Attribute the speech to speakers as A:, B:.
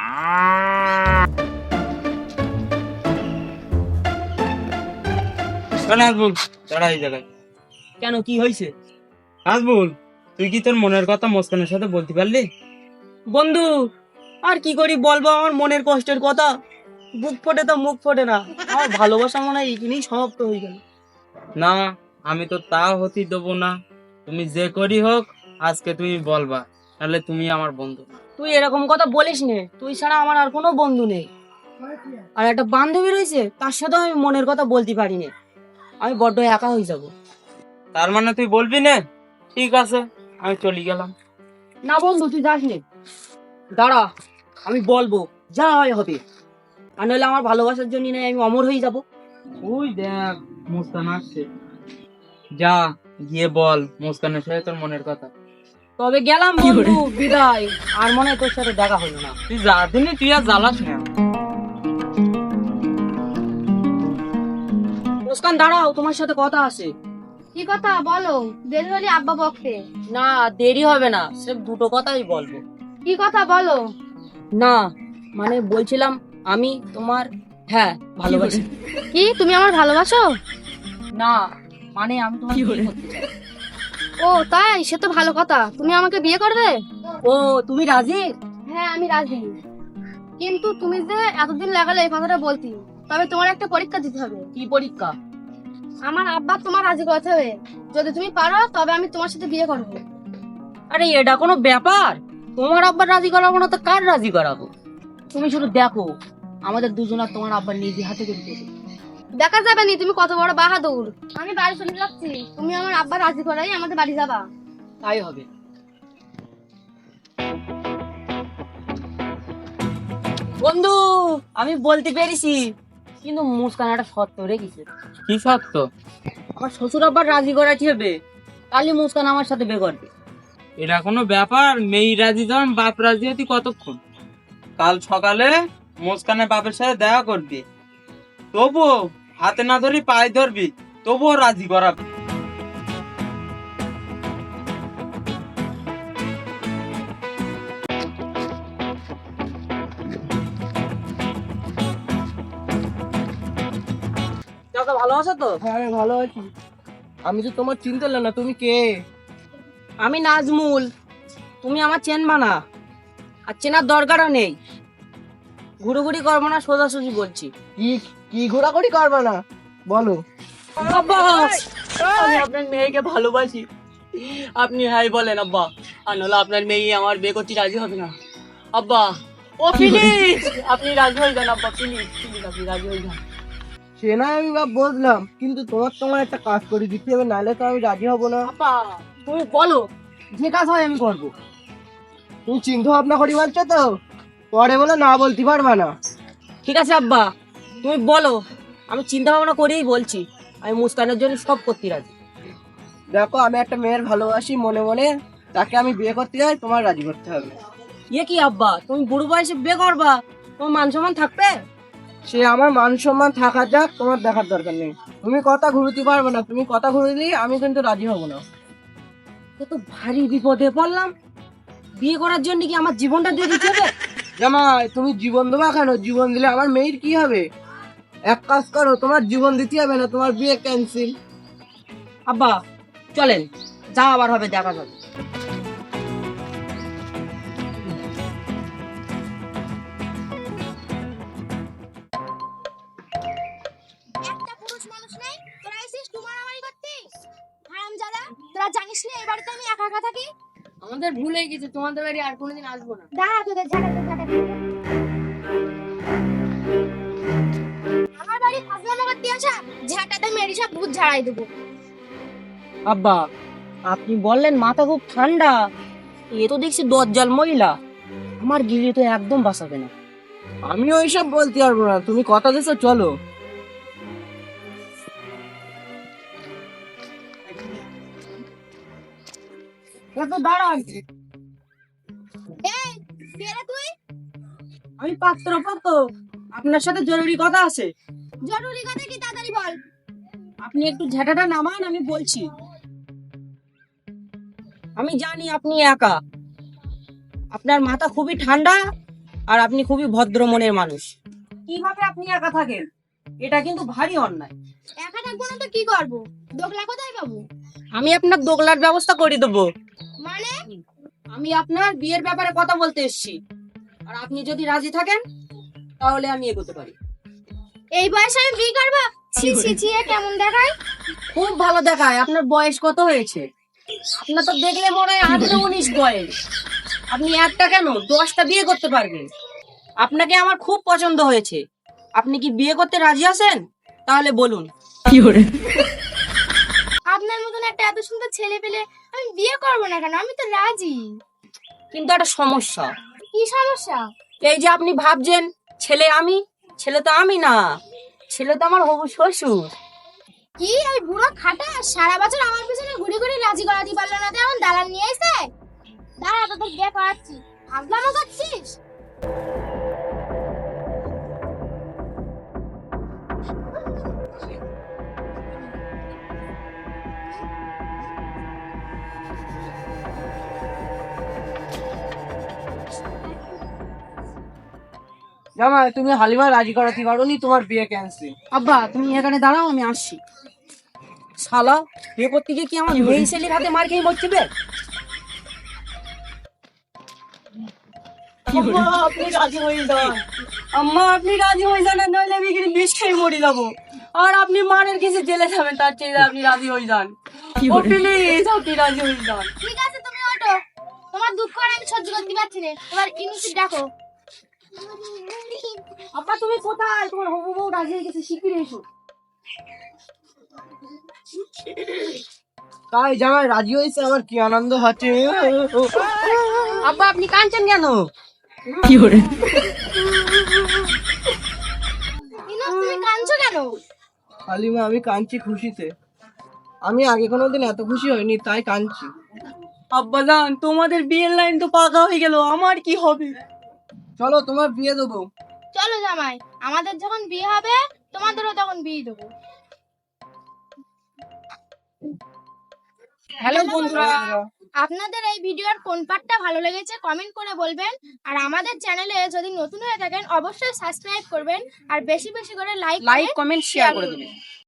A: নাজবুল, দাঁড়া এই জায়গায়।
B: কেন, কি হয়েছে?
A: নাজবুল, তুই কি তোর মনের কথা মুস্কানের সাথে বলতে পারলি?
B: বন্ধু, আর কি করি বলবো আমার মনের কষ্টের কথা? বুক ফোটে তো মুখ ফোটে না। আমার ভালোবাসা মনে হয় এখানেই সমাপ্ত হয়ে গেল।
A: না, আমি তো তা হতে দেবো না। তুমি যে করি হোক আজকে তুমি বলবা, তাহলে তুমি আমার বন্ধু।
B: তুই এরকম কথা বলিস নে, তুই ছাড়া আমার আর কোনো বন্ধু নেই। আর একটা বান্ধবী রয়েছে, তার সাথে আমি মনের কথা বলতে পারি না। আমি বড্ড একা হয়ে যাব।
A: তার মানে তুই বলবি না? ঠিক আছে, আমি চলে গেলাম।
B: না বন্ধু, তুই যাস নে, দাঁড়া, আমি বলবো, যা হয় হবে। আর নইলে আমার ভালোবাসার জন্য নয় আমি অমর হয়ে যাব।
A: ওই দেখ, মুস্কান আসছে। যা গিয়ে বল মুস্কানের সাথে তোর মনের কথা।
B: তবে গেলাম বন্ধু, বিদায়। আর মনে হয় তোর সাথে দেখা হলো না।
A: তুই যা দিনি, তুই আর জ্বালাস না।
B: মুস্কান দাঁড়াও, তোমার সাথে কথা আছে।
C: কি কথা বলো? দেরি হলে আব্বা বকতে।
B: না, দেরি হবে না, সির্ফ দুটো কথাই বলবো।
C: কি কথা বলো?
B: না মানে বলছিলাম, আমি তোমার, হ্যাঁ, ভালোবাসি।
C: কি তুমি আমার ভালোবাসো?
B: না মানে আমি তোমার বিয়ে করতে চাই।
C: ও তাই, সে তো ভালো কথা। তুমি আমাকে বিয়ে করবে?
B: ও, তুমি রাজি?
C: হ্যাঁ আমি রাজি, কিন্তু তুমি যে এতদিন লাগালে এই কথাটা বলতে, তবে তোমার একটা পরীক্ষা দিতে হবে।
B: কি পরীক্ষা?
C: আমার আব্বা তোমার রাজি করতে হবে। যদি তুমি পারো তবে আমি তোমার সাথে বিয়ে করবো।
B: আরে এটা কোনো ব্যাপার? তোমার আব্বার রাজি করাবো না তো কার রাজি করাবো? তুমি শুধু দেখো, আমাদের দুজনের তোমার আব্বার নিজে হাতে করে দেবে।
C: দেখা যাবে নি তুমি কত বড় বাহাদুর। আমি বাড়ি চলে যাচ্ছি, তুমি আমার আব্বা রাজি করাই আমাদের বাড়ি যাবা।
B: তাই হবে। বন্ধু, আমি বলতে পেরেছি, কিন্তু মুস্কান একটা শর্ত রেখেছে।
A: কি সত্য?
B: আমার শ্বশুর আব্বার রাজি করাতে হবে, তাহলে মুস্কান আমার সাথে বিয়ে করবে।
A: এটা কোনো ব্যাপার? মেয়ে রাজি যখন বাপ রাজি হতি কতক্ষণ? কাল সকালে মুস্কানের বাপের সাথে দেখা করবি, তবুও হাতে না ধরি পায়ে ধরবি, তবুও রাজি করাবি।
B: চাচা ভালো আছো তো?
D: হ্যাঁ আমি ভালো আছি। আমি তো তোমার চিনতে পারলাম না, তুমি কে?
B: আমি নাজমুল। তুমি আমার চেনবা না, আর চেনার দরকারও নেই। ঘুরোঘুরি করবো না, সোজাসুজি বলছি।
D: কি কি ঘোরাঘুরি করবে না, বলো।
B: আব্বা, আমি আপনার মেয়েকে ভালোবাসি। আপনি হাই বলেন আব্বা, আর নাহলে আপনার মেয়ে আমার বিয়ে করতে রাজি হবে না। আব্বা, ও প্লিজ, আপনি রাজি হয়ে যান আব্বা, প্লিজ প্লিজ, আপনি রাজি হয়ে যান।
D: সে না আমি বা বুঝলাম, কিন্তু তোমার একটা কাজ করে দিতে হবে, নাহলে তো আমি রাজি হব না।
B: আব্বা, তুমি বলো, যে কাজ হয় আমি করবো।
D: তুমি চিন্তা ভাবনা করি বলছো তো, পরে বলে না বলতে পারবা না।
B: ঠিক আছে আব্বা, তুমি বলো, আমি চিন্তা ভাবনা করেই বলছি। আমি মুস্কানের জন্য সব করতে রাজি।
D: দেখো, আমি একটা মেয়ের ভালোবাসি মনে মনে, তাকে আমি বিয়ে করতে যাই, তোমার রাজি করতে হবে।
B: ইয়ে কি আব্বা, তুমি বুড়ো বয়সে বিয়ে করবা? তোমার মান সম্মান থাকবে?
D: সে আমার মান সম্মান থাকা যাক, তোমার দেখার দরকার নেই। তুমি কথা ঘুরতে পারবে না, তুমি কথা ঘুরলেই আমি কিন্তু রাজি হব না।
B: তো ভারী বিপদে পড়লাম। বিয়ে করার জন্য কি আমার জীবনটা দিয়ে দিতে হবে?
D: জামাই, তুমি জীবন দেবা কেন? জীবন দিলে আমার মেয়ের কি হবে? এক কাজ করো, তোমার জীবন দিতে হবে না, তোমার বিয়ে ক্যান্সেল।
B: আব্বা চলেন, যা আবার হবে দেখা যাবে।
C: একটা পুরুষ মানুষ নেই, তোরা এসেছিস তোমার আমারই করতে। হারামজাদা, তোরা জানিস না এই বাড়িতে আমি একা একা থাকি।
B: আমাদের ভুল হয়ে গেছে, তোমাদের বাড়ি আর কোনোদিন আসবো না।
C: দাঁড়া, তোদের ঝাঁটা। আমার বাড়ি ফাজলামো করতে আসা, ঝাঁটাতে মেরি সব ভূত ঝাড়াই দেবো।
B: আব্বা, আপনি বললেন মাথা খুব ঠান্ডা, এ তো দেখছি দজ্জাল মহিলা। আমার গিলি তো একদম বাঁচাবে না।
D: আমি ওইসব বলতে পারবো না, তুমি কথা দিছো, চলো।
B: দাঁড়ান,
C: এই কে রে তুই?
B: আমি পাত্রপক্ষ, আপনার সাথে জরুরি কথা আছে।
C: জরুরি কথা কি, তাড়াতাড়ি বল।
B: আপনি একটু ঝাঁটাটা নামান, আমি বলছি। আমি জানি আপনি একা, আপনার মাথা খুবই ঠান্ডা, আর আপনি খুবই ভদ্র মনের মানুষ। কিভাবে আপনি একা থাকেন? এটা কিন্তু ভারী অন্যায়।
C: একা থাকবো না তো কি করবো? দোকলা কোথায় পাবো?
B: আমি আপনার দোগলার ব্যবস্থা করে দেবো।
C: মানে
B: আমি আপনার বিয়ের ব্যাপারে কথা বলতে এসেছি, আর আপনি যদি রাজি থাকেন তাহলে আমি এগোতে পারি।
C: এই বয়সে আমি বিয়ে করবো? ছি ছি ছি, এ কেমন দেখায়?
B: খুব ভালো দেখায়। আপনার বয়স কত হয়েছে? আপনার তো দেখলে মনে হয় 18-19 বয়স। আপনি একটা কেন 10টা বিয়ে করতে পারবেন। আপনাকে আমার খুব পছন্দ হয়েছে। আপনি কি বিয়ে করতে রাজি আছেন? তাহলে বলুন।
C: আপনার মতন একটা এত সুন্দর ছেলে পেলে আমি বিয়ে করবো না কেন? আমি তো রাজি।
B: কিন্তু একটা সমস্যা।
C: কি সমস্যা?
B: এই যে আপনি ভাবছেন ছেলে আমি, ছেলে তো আমি না, ছেলে তো আমার হবু শ্বশুর।
C: কি ওই বুড়ো খাটা সারা বছর আমার পিছনে ঘুরে ঘুরে রাজি করাতে পারলো না, তেমন দালাল নিয়ে এসে? দাঁড়া, তোদের বিয়ে করাচ্ছি। ভাবলামও করছিস?
D: জামাই তুমি হালিমা রাজি করাতে পারোনি, তোমার বিয়ে ক্যান্সেল।
B: আব্বা তুমি এখানে দাঁড়াও, আমি আসছি। শালা বিয়ে করতে গিয়ে কি আমার মেয়ে ছেলের হাতে মার খেয়ে মরছে বে? আম্মা, আপনি রাজি হয়ে যান। আম্মা আপনি রাজি হয়ে যান, নইলে আমি এখানে বিষ খেয়ে মরে যাবো। আর আপনি মারের কিছু জেলে যাবেন, তার চেয়ে আপনি রাজি হয়ে যান। ও প্লিজ আপনি রাজি হয়ে যান।
C: ঠিক আছে, তুমি ওঠো। তোমার দুঃখ আর আমি সহ্য করতে পারছি না। এবার ইনুসি ডাকো।
B: আব্বা তুমি কোথায়? তোমার হবু বউ রাজি হয়ে গেছে, শিগগিরই এসো।
D: তাই জামাই রাজি হয়েছে, আমার কি আনন্দ হচ্ছে।
B: আব্বা আপনি কাঁদছেন কেন?
C: ইনুস, তুমি কাঁদছো কেন?
D: হালিমা আমি কাঁদছি খুশিতে। আমি আগে কোনোদিন এত খুশি হইনি, তাই কাঁদছি।
B: আব্বা জান তোমাদের বিয়ের লাইন তো পাকা হয়ে গেল, আমার কি হবে?
D: চলো তোমার বিয়ে দেবো।
C: চলো জামাই, আমাদের যখন বিয়ে হবে তোমাদেরও তখন বিয়ে দেবো।
B: হ্যালো বন্ধুরা,
C: আপনাদের এই ভিডিওর কোন পার্টটা ভালো লেগেছে কমেন্ট করে বলবেন। আর আমাদের চ্যানেলে যদি নতুন হয়ে থাকেন অবশ্যই সাবস্ক্রাইব করবেন, আর বেশি বেশি করে লাইক
B: লাইক কমেন্ট শেয়ার করে দেবেন।